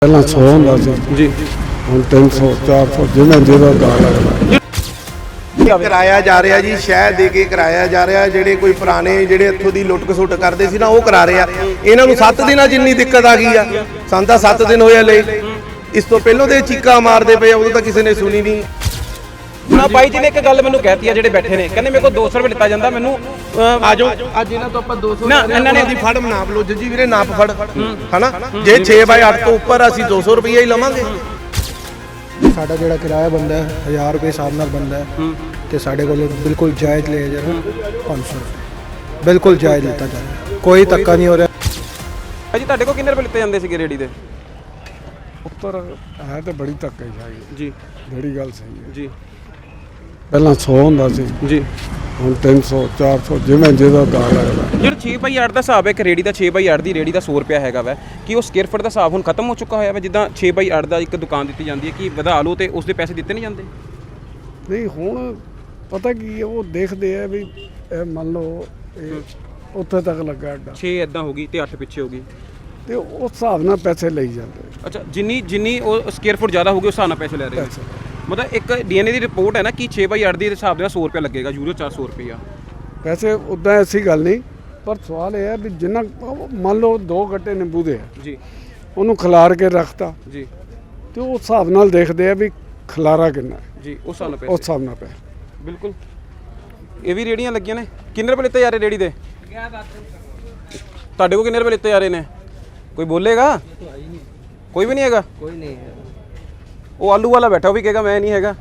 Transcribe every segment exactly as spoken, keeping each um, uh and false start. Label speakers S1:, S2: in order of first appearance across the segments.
S1: ਪਹਿਲਾਂ ਸੌ ਹੁੰਦਾ ਸੀ
S2: ਜੀ
S1: ਹੁਣ ਤਿੰਨ ਸੌ ਚਾਰ ਸੌ ਜਿਵੇਂ ਜਿਹਦਾ ਦਾ ਲੱਗਦਾ
S3: ਕਰਾਇਆ ਜਾ ਰਿਹਾ ਜੀ। ਸ਼ਹਿ ਦੇ ਕੇ ਕਰਾਇਆ ਜਾ ਰਿਹਾ। ਜਿਹੜੇ ਕੋਈ ਪੁਰਾਣੇ ਜਿਹੜੇ ਇੱਥੋਂ ਦੀ ਲੁੱਟ ਖਸੁੱਟ ਕਰਦੇ ਸੀ ਨਾ ਉਹ ਕਰਾ ਰਹੇ ਆ। ਇਹਨਾਂ ਨੂੰ ਸੱਤ ਦਿਨਾਂ ਜਿੰਨੀ ਦਿੱਕਤ ਆ ਗਈ ਆ। ਸਾਨੂੰ ਤਾਂ ਸੱਤ ਦਿਨ ਹੋਇਆ ਲਈ। ਇਸ ਤੋਂ ਪਹਿਲਾਂ ਤੇ ਚੀਕਾਂ ਮਾਰਦੇ ਪਏ, ਉਦੋਂ ਤਾਂ ਕਿਸੇ ਨੇ ਸੁਣੀ ਨਹੀਂ।
S2: ਨਾ ਬਾਈ ਜੀ ਨੇ ਇੱਕ ਗੱਲ ਮੈਨੂੰ ਕਹਿਤੀ ਆ ਜਿਹੜੇ ਬੈਠੇ ਨੇ, ਕਹਿੰਦੇ ਮੇਰੇ ਕੋਲ ਦੋ ਸੌ ਰੁਪਏ ਲਿੱਤਾ ਜਾਂਦਾ ਮੈਨੂੰ।
S3: ਆ ਜਾਓ ਅੱਜ ਇਹਨਾਂ ਤੋਂ ਆਪਾਂ ਦੋ ਸੌ
S2: ਨਾ ਇਹਨਾਂ ਨੇ
S3: ਦੀ ਫੜ ਨਾਪ ਲਓ ਜੱਜੀ ਵੀਰੇ, ਨਾਪ ਫੜ ਹਨਾ। ਜੇ ਛੇ ਬਾਈ ਅੱਠ ਤੋਂ ਉੱਪਰ ਅਸੀਂ ਦੋ ਸੌ ਰੁਪਏ ਹੀ ਲਵਾਂਗੇ।
S4: ਸਾਡਾ ਜਿਹੜਾ ਕਿਰਾਇਆ ਬੰਦਾ ਹੈ ਹਜ਼ਾਰ ਰੁਪਏ ਹਿਸਾਬ ਨਾਲ ਬੰਦਾ ਹੈ ਤੇ ਸਾਡੇ ਕੋਲ ਬਿਲਕੁਲ ਜਾਇਜ਼ ਲਿਆ ਜਾ ਰਿਹਾ ਪੰਜ ਸੌ ਰੁਪਏ ਬਿਲਕੁਲ ਜਾਇਜ਼ ਲਿੱਤਾ ਜਾ ਰਿਹਾ, ਕੋਈ ਧੱਕਾ ਨਹੀਂ ਹੋ ਰਿਹਾ।
S2: ਭਾਈ ਜੀ ਤੁਹਾਡੇ ਕੋਲ ਕਿੰਨੇ ਰੁਪਏ ਲਿੱਤੇ ਜਾਂਦੇ ਸੀਗੇ ਰੇੜੀ ਦੇ?
S1: ਉੱਪਰ ਹੈ ਤੇ ਬੜੀ ਧੱਕੇ ਸ਼ਾਹੀ
S2: ਜੀ
S1: ਜਿਹੜੀ ਗੱਲ ਸਹੀ ਹੈ।
S2: ਜੀ
S1: ਪਹਿਲਾਂ ਸੌ ਹੁੰਦਾ ਸੀ
S2: ਜੀ
S1: ਹੁਣ ਤਿੰਨ ਸੌ ਚਾਰ ਸੌ ਜਿਵੇਂ ਜਿਹਦਾ ਦਾ ਲੱਗਦਾ।
S2: ਜਿਹੜਾ ਛੇ ਬਾਈ ਅੱਠ ਦਾ ਹਿਸਾਬ ਹੈ ਇੱਕ ਰੇੜੀ ਦਾ, ਛੇ ਬਾਈ ਅੱਠ ਦੀ ਰੇੜੀ ਦਾ ਸੌ ਰੁਪਿਆ ਹੈਗਾ ਵਾ, ਕਿ ਉਹ ਸਕੁਅਰ ਫੁੱਟ ਦਾ ਹਿਸਾਬ ਹੁਣ ਖਤਮ ਹੋ ਚੁੱਕਾ ਹੋਇਆ ਵਾ? ਜਿੱਦਾਂ ਛੇ ਬਾਈ ਅੱਠ ਦਾ ਇੱਕ ਦੁਕਾਨ ਦਿੱਤੀ ਜਾਂਦੀ ਹੈ ਕਿ ਵਧਾ ਲਓ ਤੇ ਉਸ ਦੇ ਪੈਸੇ ਦਿੱਤੇ ਨਹੀਂ ਜਾਂਦੇ?
S1: ਨਹੀਂ ਹੁਣ ਪਤਾ ਕੀ ਹੈ, ਉਹ ਦੇਖਦੇ ਆ ਵੀ ਇਹ ਮੰਨ ਲਓ ਇਹ ਉੱਥੇ ਤੱਕ ਲੱਗਾ ਅੱਡਾ
S2: ਛੇ ਇਦਾਂ ਹੋ ਗਈ ਤੇ ਅੱਠ ਪਿੱਛੇ ਹੋ ਗਈ
S1: ਤੇ ਉਸ ਹਿਸਾਬ ਨਾਲ ਪੈਸੇ ਲਈ ਜਾਂਦੇ
S2: ਅੱਛਾ, ਜਿੰਨੀ ਜਿੰਨੀ ਉਹ ਸਕੁਅਰ ਫੁੱਟ ਜ਼ਿਆਦਾ ਹੋਊਗੀ ਉਸ ਹਿਸਾਬ ਨਾਲ ਪੈਸੇ ਲੈ ਰਹੇ ਹੋ।
S1: ਪੈਸੇ
S2: ਮਤਲਬ ਇੱਕ ਡੀਐਨਏ ਦੀ ਰਿਪੋਰਟ ਹੈ ਨਾ ਕਿ ਛੇ ਬਾਈ ਅੱਠ ਦੇ ਹਿਸਾਬ ਨਾਲ ਸੌ ਰੁਪਿਆ ਲੱਗੇਗਾ, ਯੂਰੋ ਚਾਰ ਸੌ ਰੁਪਿਆ।
S1: ਪੈਸੇ ਉੱਦਾਂ ਐਸੀ ਗੱਲ ਨਹੀਂ, ਪਰ ਸਵਾਲ ਇਹ ਹੈ ਵੀ ਜਿੰਨਾ ਮੰਨ ਲਓ ਦੋ ਗੱਟੇ ਨਿੰਬੂ ਦੇ ਆ,
S2: ਜੀ
S1: ਉਹਨੂੰ ਖਿਲਾਰ ਕੇ ਰੱਖਤਾ
S2: ਜੀ
S1: ਤੇ ਉਸ ਹਿਸਾਬ ਨਾਲ ਦੇਖਦੇ ਆ ਵੀ ਖਿਲਾਰਾ ਕਿੰਨਾ ਹੈ,
S2: ਜੀ ਉਸ ਹਿਸਾਬ ਨਾਲ
S1: ਉਸ
S2: ਪੈਸੇ
S1: ਹਿਸਾਬ ਨਾਲ ਪੈਸੇ।
S2: ਬਿਲਕੁਲ। ਇਹ ਵੀ ਰੇੜੀਆਂ ਲੱਗੀਆਂ ਨੇ। ਕਿੰਨੇ ਰੁਪਏ ਲਿੱਤੇ ਜਾ ਰਹੇ ਰੇੜੀ ਦੇ? ਤੁਹਾਡੇ ਕੋਲ ਕਿੰਨੇ ਰੁਪਏ ਲਿੱਤੇ ਜਾ ਰਹੇ ਨੇ? ਕੋਈ ਬੋਲੇਗਾ? ਕੋਈ ਵੀ ਨਹੀਂ ਹੈਗਾ।
S4: ਕੋਈ ਨਹੀਂ ਹੈ।
S2: ਉਹ ਆਲੂ ਵਾਲਾ ਬੈਠਾ, ਉਹ ਵੀ ਕਹੇਗਾ ਮੈਂ ਨਹੀਂ ਹੈਗਾ।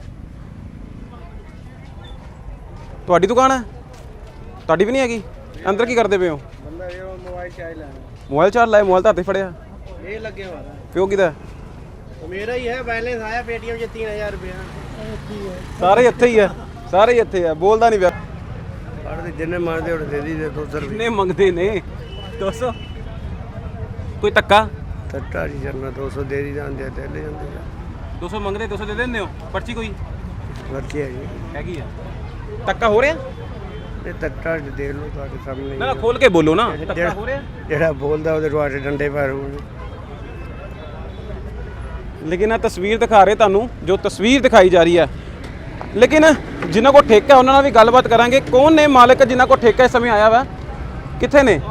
S2: ਤੁਹਾਡੀ ਦੁਕਾਨ ਹੈ? ਤੁਹਾਡੀ ਵੀ ਨਹੀਂ ਹੈਗੀ। ਅੰਦਰ ਕੀ ਕਰਦੇ ਪਏ ਹੋ?
S4: ਬੰਦਾ ਇਹ ਮੋਬਾਈਲ ਚਾਹ ਲੈਣਾ।
S2: ਮੋਬਾਈਲ ਚਾਰਜ ਲਾਇਆ, ਮੋਬਾਈਲ ਤਾਂ ਹੱਥੇ ਫੜਿਆ।
S4: ਇਹ ਲੱਗੇ ਹੋਇਆ
S2: ਪਿਓ ਕਿਹਦਾ?
S4: ਮੇਰਾ ਹੀ ਹੈ। ਬੈਲੈਂਸ ਆਇਆ ਪੇਟੀਐਮ 'ਚ ਤਿੰਨ ਹਜ਼ਾਰ ਰੁਪਇਆ।
S2: ਸਾਰੇ ਇੱਥੇ ਹੀ ਆ, ਸਾਰੇ ਇੱਥੇ ਆ, ਬੋਲਦਾ ਨਹੀਂ ਪਿਆ।
S4: ਪੜਦੇ ਜਿੰਨੇ ਮੰਗਦੇ ਉਹ ਦੇ ਦੀ ਦੋ ਸੌ ਰੁਪਏ।
S2: ਕਿੰਨੇ ਮੰਗਦੇ ਨੇ? ਦੋ ਸੌ? ਕੋਈ ਧੱਕਾ?
S4: ਟੱਟਾ ਜੀ ਜਰਨਾ ਦੋ ਸੌ ਦੇ ਦੀ ਜਾਂਦੇ ਤੇ ਲੈ ਜਾਂਦੇ ਆ।
S2: ਦੋ ਸੌ ਮੰਗਦੇ, ਦੋ ਸੌ ਦੇ ਦਿੰਦੇ ਹੋ? ਪਰਚੀ ਕੋਈ
S4: ਵਰਤੀ ਹੈ ਜੀ।
S2: ਹੈਗੀ ਆ? ਧੱਕਾ ਹੋ ਰਿਹਾ?
S4: ਇਹ ਟੱਟਾ ਦੇਖ ਲਓ ਤੁਹਾਡੇ ਸਾਹਮਣੇ।
S2: ਨਾ ਖੋਲ ਕੇ ਬੋਲੋ ਨਾ। ਧੱਕਾ ਹੋ ਰਿਹਾ?
S4: ਜਿਹੜਾ ਬੋਲਦਾ ਉਹਦੇ ਤੁਹਾਡੇ ਡੰਡੇ ਮਾਰੂ।
S2: ਲੇਕਿਨ ਇਹ ਤਸਵੀਰ ਦਿਖਾ ਰਹੇ ਤੁਹਾਨੂੰ, ਜੋ ਤਸਵੀਰ ਦਿਖਾਈ ਜਾ ਰਹੀ ਹੈ। ਲੇਕਿਨ ਜਿਨ੍ਹਾਂ ਕੋਲ ਠੇਕਾ ਉਹਨਾਂ ਨਾਲ ਵੀ ਗੱਲਬਾਤ ਕਰਾਂਗੇ। ਕੌਣ ਨੇ ਮਾਲਕ ਜਿਨ੍ਹਾਂ ਕੋਲ ਠੇਕਾ ਇਸ ਸਮੇਂ ਆਇਆ ਵਾ? ਕਿੱਥੇ ਨੇ?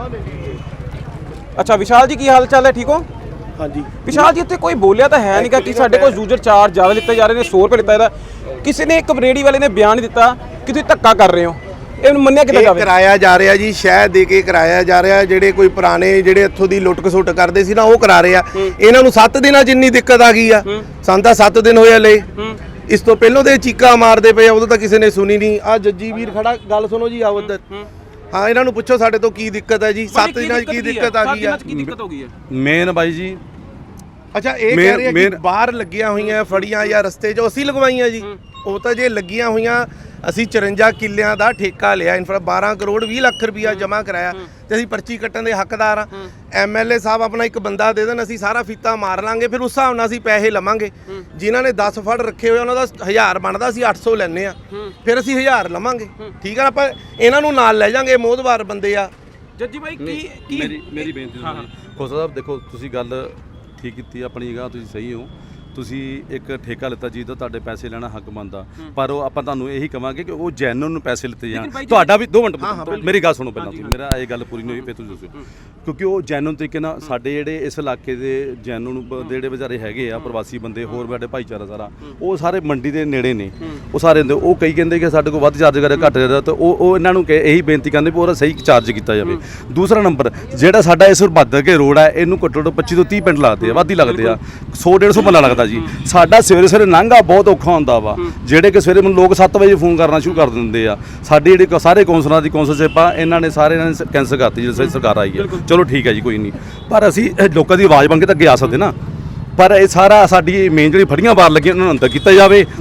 S2: ਅੱਛਾ ਵਿਸ਼ਾਲ ਜੀ, ਕੀ ਹਾਲ ਚਾਲ ਹੈ? ਠੀਕ ਹੋ?
S3: ਹਾਂਜੀ
S2: ਵਿਸ਼ਾਲ ਜੀ, ਇੱਥੇ ਕੋਈ ਬੋਲਿਆ ਤਾਂ ਹੈ ਨਹੀਂਗਾ ਕਿ ਸਾਡੇ ਕੋਲ ਯੂਜ਼ਰ ਚਾਰਜ ਜ਼ਿਆਦਾ ਲਿੱਤੇ ਜਾ ਰਹੇ ਨੇ, ਸੌ ਰੁਪਏ ਲਿੱਤਾ ਇਹਦਾ। ਕਿਸੇ ਨੇ ਇੱਕ ਰੇੜੀ ਵਾਲੇ ਨੇ ਬਿਆਨ ਨਹੀਂ ਦਿੱਤਾ ਕਿ ਤੁਸੀਂ ਧੱਕਾ ਕਰ ਰਹੇ ਹੋ। ਇਹਨੂੰ ਮੰਨਿਆ ਕਿੱਦਾਂ ਜਾਵੇ?
S3: ਕਰਾਇਆ ਜਾ ਰਿਹਾ ਜੀ। ਸ਼ਹਿ ਦੇ ਕੇ ਕਰਾਇਆ ਜਾ ਰਿਹਾ। ਜਿਹੜੇ ਕੋਈ ਪੁਰਾਣੇ ਜਿਹੜੇ ਇੱਥੋਂ ਦੀ ਲੁੱਟ ਖਸੁੱਟ ਕਰਦੇ ਸੀ ਨਾ ਉਹ ਕਰਾ ਰਹੇ ਆ। ਇਹਨਾਂ ਨੂੰ ਸੱਤ ਦਿਨਾਂ ਜਿੰਨੀ ਦਿੱਕਤ ਆ ਗਈ ਆ। ਸਾਨੂੰ ਤਾਂ ਸੱਤ ਦਿਨ ਹੋਇਆ ਲਈ। ਇਸ ਤੋਂ ਪਹਿਲਾਂ ਤੇ ਚੀਕਾਂ ਮਾਰਦੇ ਪਏ, ਉਦੋਂ ਤਾਂ ਕਿਸੇ ਨੇ ਸੁਣੀ ਨਹੀਂ। ਆ ਜੱਜੀ ਵੀਰ ਖੜਾ, ਗੱਲ ਸੁਣੋ ਜੀ। ਆਓ ਇੱਧਰ। ਹਾਂ ਇਹਨਾਂ ਨੂੰ ਪੁੱਛੋ ਸਾਡੇ ਤੋਂ ਕੀ ਦਿੱਕਤ ਹੈ ਜੀ। ਸੱਤ ਦਿਨਾਂ 'ਚ ਕੀ ਦਿੱਕਤ ਆ ਗਈ ਆ?
S2: ਕੀ ਦਿੱਕਤ ਹੋ ਗਈ ਹੈ?
S5: ਮੇਨ ਬਾਈ ਜੀ,
S3: ਅੱਛਾ ਇਹ ਕਹਿ ਰਹੇ ਆ ਕਿ ਬਾਹਰ ਲੱਗੀਆਂ ਹੋਈਆਂ ਫੜੀਆਂ ਜਾਂ ਰਸਤੇ 'ਚ ਅਸੀਂ ਲਗਵਾਈਆਂ ਜੀ। ਉਹ ਤਾਂ ਜੇ ਲੱਗੀਆਂ ਹੋਈਆਂ, ਅਸੀਂ ਚੁਰੰਜਾ ਕਿੱਲਿਆਂ ਦਾ ਠੇਕਾ ਲਿਆ, ਇਨਫਰਾ ਬਾਰਾਂ ਕਰੋੜ ਵੀਹ ਲੱਖ ਰੁਪਈਆ ਜਮ੍ਹਾਂ ਕਰਾਇਆ ਤੇ ਅਸੀਂ ਪਰਚੀ ਕੱਟਣ ਦੇ ਹੱਕਦਾਰ ਆ। ਐਮਐਲਏ ਸਾਹਿਬ ਆਪਣਾ ਇੱਕ ਬੰਦਾ ਦੇ ਦੇਣ, ਅਸੀਂ ਸਾਰਾ ਫੀਤਾ ਮਾਰ ਲਾਂਗੇ। ਫਿਰ ਉਸ ਹਿਸਾਬ ਨਾਲ ਅਸੀਂ ਪੈਸੇ ਲਵਾਂਗੇ। ਜਿਨ੍ਹਾਂ ਨੇ ਦਸ ਫੜ ਰੱਖੇ ਹੋਏ ਉਹਨਾਂ ਦਾ ਹਜ਼ਾਰ ਬਣਦਾ, ਅਸੀਂ ਅੱਠ ਸੌ ਲੈਂਦੇ ਆ। ਫਿਰ ਅਸੀਂ ਹਜ਼ਾਰ ਲਵਾਂਗੇ। ਠੀਕ ਆ, ਆਪਾਂ ਇਹਨਾਂ ਨੂੰ ਨਾਲ ਲੈ ਜਾਾਂਗੇ, ਮੋਹਦਵਾਰ ਬੰਦੇ ਆ।
S2: ਜੱਜੀ ਬਾਈ ਕੀ ਕੀ
S5: ਮੇਰੀ ਮੇਰੀ ਬੇਨਤੀ ਸੁਣੋ ਜੀ। ਖੋਸਾ ਸਾਹਿਬ ਦੇਖੋ, ਤੁਸੀਂ ਗੱਲ ਠੀਕ ਕੀਤੀ, ਆਪਣੀ ਜਗ੍ਹਾ ਤੁਸੀਂ ਸਹੀ ਹੋ। ਤੁਸੀਂ ਇੱਕ ਠੇਕਾ ਲਿੱਤਾ ਜੀ ਤਾਂ ਤੁਹਾਡੇ ਪੈਸੇ ਲੈਣਾ ਹੱਕ ਬਣਦਾ, ਪਰ ਉਹ ਆਪਾਂ ਤੁਹਾਨੂੰ ਇਹੀ ਕਵਾਂਗੇ ਕਿ ਉਹ ਜੈਨੂਨ ਨੂੰ ਪੈਸੇ ਲਿੱਤੇ ਜਾਣ। ਤੁਹਾਡਾ ਵੀ ਦੋ ਮਿੰਟ ਮੇਰੀ ਗੱਲ ਸੁਣੋ ਪਹਿਲਾਂ। ਤੁਸੀਂ ਮੇਰਾ ਇਹ ਗੱਲ ਪੂਰੀ ਨਹੀਂ ਹੋਈ, ਫਿਰ ਤੁਸੀਂ ਦੱਸੋ। ਕਿਉਂਕਿ ਉਹ ਜੈਨੂਨ ਤਰੀਕੇ ਨਾਲ ਸਾਡੇ ਜਿਹੜੇ ਇਸ ਇਲਾਕੇ ਦੇ ਜੈਨੂਨ ਦੇ ਜਿਹੜੇ ਵਿਚਾਰੇ ਹੈਗੇ ਆ ਪ੍ਰਵਾਸੀ ਬੰਦੇ, ਹੋਰ ਸਾਡੇ ਭਾਈਚਾਰਾ ਸਾਰਾ, ਉਹ ਸਾਰੇ ਮੰਡੀ ਦੇ ਨੇੜੇ ਨੇ। ਉਹ ਸਾਰੇ ਹੁੰਦੇ, ਉਹ ਕਈ ਕਹਿੰਦੇ ਕਿ ਸਾਡੇ ਕੋਲ ਵੱਧ ਚਾਰਜ ਕਰਿਆ, ਘੱਟ ਕਰਿਆ, ਤਾਂ ਉਹ ਉਹ ਇਹਨਾਂ ਨੂੰ ਇਹੀ ਬੇਨਤੀ ਕਰਦੇ ਵੀ ਉਹਦਾ ਸਹੀ ਚਾਰਜ ਕੀਤਾ ਜਾਵੇ। ਦੂਸਰਾ ਨੰਬਰ, ਜਿਹੜਾ ਸਾਡਾ ਇਸ ਭੱਦਰ ਕੇ ਰੋਡ ਹੈ, ਇਹਨੂੰ ਘੱਟੋ ਘੱਟ ਪੱਚੀ ਤੋਂ ਤੀਹ ਪਿੰਡ ਲੱਗਦੇ ਆ, ਵੱਧ ਹੀ ਲੱਗਦੇ ਆ। ਸੌ ਡੇਢ ਸੌ ਬੰਦਾ ਲੱਗਦਾ ਜੀ। ਸਾਡਾ ਸਵੇਰੇ ਸਵੇਰੇ ਲੰਘਾ ਬਹੁਤ ਔਖਾ ਹੁੰਦਾ ਵਾ। ਜਿਹੜੇ ਕਿ ਸਵੇਰੇ ਮੈਨੂੰ ਲੋਕ ਸੱਤ ਵਜੇ ਫੋਨ ਕਰਨਾ ਸ਼ੁਰੂ ਕਰ ਦਿੰਦੇ ਆ। ਸਾਡੀ ਜਿਹੜੀ ਸਾਰੇ ਕੌਂਸਲਰਾਂ ਦੀ ਕੌਂਸਲਸ਼ਿਪ ਆ, ਇਹਨਾਂ ਨੇ ਸਾਰੇ ਇਹਨਾਂ ਨੇ ਕੈਂਸਲ ਕਰਤੀ ਜਦੋਂ ਸਰਕਾਰ ਆਈ ਹੈ। ਚਲੋ ਠੀਕ ਹੈ ਜੀ, ਕੋਈ ਨਹੀਂ, ਪਰ ਅਸੀਂ ਲੋਕਾਂ ਦੀ ਆਵਾਜ਼ ਬਣ ਕੇ ਤਾਂ ਅੱਗੇ ਆ ਸਕਦੇ ਨਾ। ਪਰ ਇਹ ਸਾਰਾ ਸਾਡੀ ਮੇਨ ਜਿਹੜੀ ਫੜੀਆਂ ਬਾਹਰ ਲੱਗੀਆਂ ਉਹਨਾਂ ਨੂੰ ਅੰਦਰ ਕੀਤਾ ਜਾਵੇ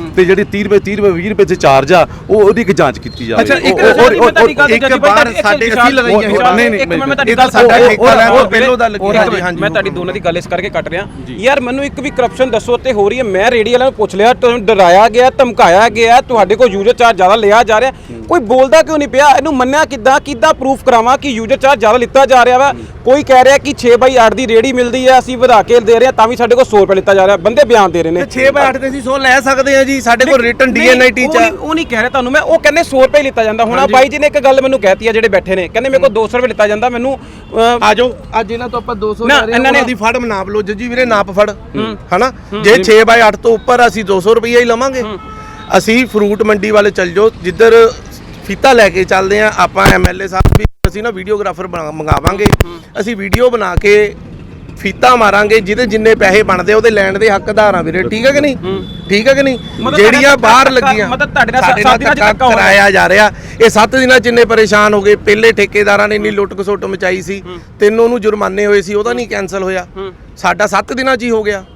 S5: ਤੇ ਜਿਹੜੀ ਤੀਹ ਰੁਪਏ ਤੀਹ ਰੁਪਏ ਵੀਹ ਰੁਪਏ ਚ ਚਾਰਜ ਆ ਉਹ ਉਹਦੀ ਇੱਕ ਜਾਂਚ ਕੀਤੀ ਜਾਵੇ
S3: ਅੱਛਾ, ਇੱਕ
S5: ਉਹ- ਉਹ-
S3: ਸਾਡੀ
S5: ਉਹ-
S2: ਤੁਹਾਡੀ ਗੱਲ
S3: ਇੱਕ
S2: ਜੱਜੀ ਭਾਈ,
S3: ਬਾਰ
S2: ਇੱਕ
S3: ਸਾਡੇ
S2: ਵਿਸ਼ਾਲ-
S3: ਅਸੀਂ ਲਗਾਈਆਂ
S2: ਵਿਸ਼ਾਲ-
S3: ਹੋਈਆਂ।
S5: ਨਹੀਂ, ਨਹੀਂ,
S2: ਇੱਕ ਮਿੰਟ ਮੈਂ ਤੁਹਾਡੀ
S3: ਇਹ
S2: ਗੱਲ
S3: ਤਾਂ ਸਾਡਾ
S2: ਉਹ-
S3: ਠੇਕਾ ਲੈਣ ਤੋਂ
S2: ਉਹ-
S3: ਪਹਿਲੋਂ ਦਾ
S2: ਉਹ-
S3: ਲੱਗਿਆ ਜੀ, ਹਾਂਜੀ।
S2: ਮੈਂ ਤੁਹਾਡੀ ਦੋਨਾਂ ਦੀ ਗੱਲ ਇਸ ਕਰਕੇ ਕੱਟ ਰਿਹਾ ਯਾਰ ਮੈਨੂੰ ਇੱਕ ਵੀ ਕਰਪਸ਼ਨ ਦੱਸੋ ਤੇ ਹੋ ਰਹੀ ਹੈ। ਮੈਂ ਰੇਡੀ ਵਾਲਿਆਂ ਨੂੰ ਪੁੱਛ ਲਿਆ, ਤੁਹਾਨੂੰ ਡਰਾਇਆ ਗਿਆ, ਧਮਕਾਇਆ ਗਿਆ, ਤੁਹਾਡੇ ਕੋਲ ਯੂਜ਼ਰ ਚਾਰਜ ਜ਼ਿਆਦਾ ਲਿਆ ਜਾ ਰਿਹਾ, ਕੋਈ ਬੋਲਦਾ ਕਿਉਂ ਨਹੀਂ ਪਿਆ? ਇਹਨੂੰ ਮੰਨਿਆ ਕਿੱਦਾਂ ਕਿੱਦਾਂ ਪ੍ਰੂਫ ਕਰਾਵਾਂ ਕਿ ਯੂਜ਼ਰ ਚਾਰਜ ਜ਼ਿਆਦਾ ਲਿੱਤਾ ਜਾ ਰਿਹਾ ਵਾ? ਕੋਈ ਕਹਿ ਰਿਹਾ ਕਿ ਛੇ ਬਾਈ ਅੱਠ ਦੀ ਰੇੜੀ ਮਿਲਦੀ ਹੈ, ਅਸੀਂ ਵਧਾ ਕੇ ਦੇ ਰਹੇ ਹਾਂ ਤਾਂ ਵੀ ਸਾਡੇ ਕੋਲ ਸੌ ਰੁਪਏ ਲਿੱਤਾ ਜਾ ਰਿਹਾ। ਬੰਦੇ ਬਿਆਨ ਦੇ ਰਹੇ ਨੇ
S3: ਛੇ ਬਾਈ ਅੱਠ ਤੇ ਅਸੀਂ ਸੌ ਲੈ ਸਕਦੇ ਹਾਂ ਜੀ, ਸਾਡੇ ਕੋਲ ਰਿਟਨ
S2: ਨਹੀਂ,
S3: ਡੀਐਨਆਈਟੀ
S2: ਉਹ
S3: ਚ
S2: ਨਹੀਂ- ਉਹ ਨਹੀਂ ਕਹਿ ਰਿਹਾ ਤੁਹਾਨੂੰ ਮੈਂ, ਉਹ ਕਹਿੰਦੇ ਸੌ ਰੁਪਏ ਲਿੱਤਾ ਜਾਂਦਾ। ਹੁਣ ਆ ਬਾਈ ਜੀ ਨੇ ਇੱਕ ਗੱਲ ਮੈਨੂੰ ਕਹਿਤੀ ਆ ਜਿਹੜੇ ਬੈਠੇ ਨੇ, ਕਹਿੰਦੇ ਮੇਰੇ ਕੋਲ ਦੋ ਸੌ ਰੁਪਏ ਲਿੱਤਾ ਜਾਂਦਾ। ਮੈਨੂੰ ਅਹ,
S3: ਆ ਜਾਓ ਅੱਜ ਇਹਨਾਂ ਤੋਂ ਆਪਾਂ ਦੋ ਸੌ
S2: ਨਾ,
S3: ਲੈ ਰਹੇ ਹਾਂ,
S2: ਇਹਨਾਂ ਨੇ-
S3: ਉਹਨਾਂ ਦੀ ਫੜ ਨਾਪ ਲਓ ਜੱਜੀ ਵੀਰੇ, ਨਾਪ ਫੜ ਹਨਾ। ਜੇ ਛੇ ਬਾਈ ਅੱਠ ਤੋਂ ਉੱਪਰ ਅਸੀਂ ਦੋ ਸੌ ਰੁਪਈਆ ਹੀ ਲਵਾਂਗੇ। ਅਸੀਂ ਫਰੂਟ ਮੰਡੀ ਵਾਲੇ ਚੱਲ ਜਾਓ, ਜਿੱਧਰ ਫੀਤਾ ਲੈ ਕੇ ਚੱਲਦੇ ਆ ਆਪਾਂ। ਐਮਐਲਏ ਸਾਹਿਬ ਵੀ ਅਸੀਂ ਨਾ ਵੀਡੀਓਗ੍ਰਾਫਰ ਮੰਗਾਵਾਂਗੇ, ਅਸੀਂ ਵੀਡੀਓ ਬਣਾ ਕੇ ਫੀਤਾ ਮਾਰਾਂਗੇ, ਜਿਹਦੇ ਜਿੰਨੇ ਪੈਸੇ ਬਣਦੇ ਉਹਦੇ ਲੈਣ ਦੇ ਹੱਕਦਾਰ ਆ ਵੀਰੇ, ਠੀਕ ਹੈ ਕਿ ਨਹੀਂ? ਠੀਕ ਹੈ ਕਿ ਨਹੀਂ?
S2: ਮਤਲਬ
S3: ਜਿਹੜੀਆਂ
S2: ਤੁਹਾਡੇ
S3: ਬਾਹਰ
S2: ਨਾਲ
S3: ਲੱਗੀਆਂ
S2: ਮਤਲਬ ਤੁਹਾਡੇ ਨਾਲ
S3: ਸਾਡੇ
S2: ਸੱਤ ਦਿਨਾਂ 'ਚ
S3: ਧੱਕਾ
S2: ਧੱਕਾ ਹੋ ਰਿਹਾ।
S3: ਕਰਾਇਆ ਜਾ ਰਿਹਾ। ਇਹ ਸੱਤ ਦਿਨਾਂ ਚ ਇੰਨੇ ਪਰੇਸ਼ਾਨ ਹੋ ਗਏ। ਪਹਿਲੇ ਠੇਕੇਦਾਰਾਂ ਨੇ ਇੰਨੀ ਲੁੱਟ ਖਸੁੱਟ ਮਚਾਈ ਸੀ, ਤਿੰਨ ਉਹਨੂੰ ਜੁਰਮਾਨੇ ਹੋਏ ਸੀ, ਉਹਦਾ ਨਹੀਂ ਕੈਨਸਲ ਹੋਇਆ। ਸਾਡਾ ਸੱਤ ਦਿਨਾਂ ਚ ਹੀ ਹੋ ਗਿਆ।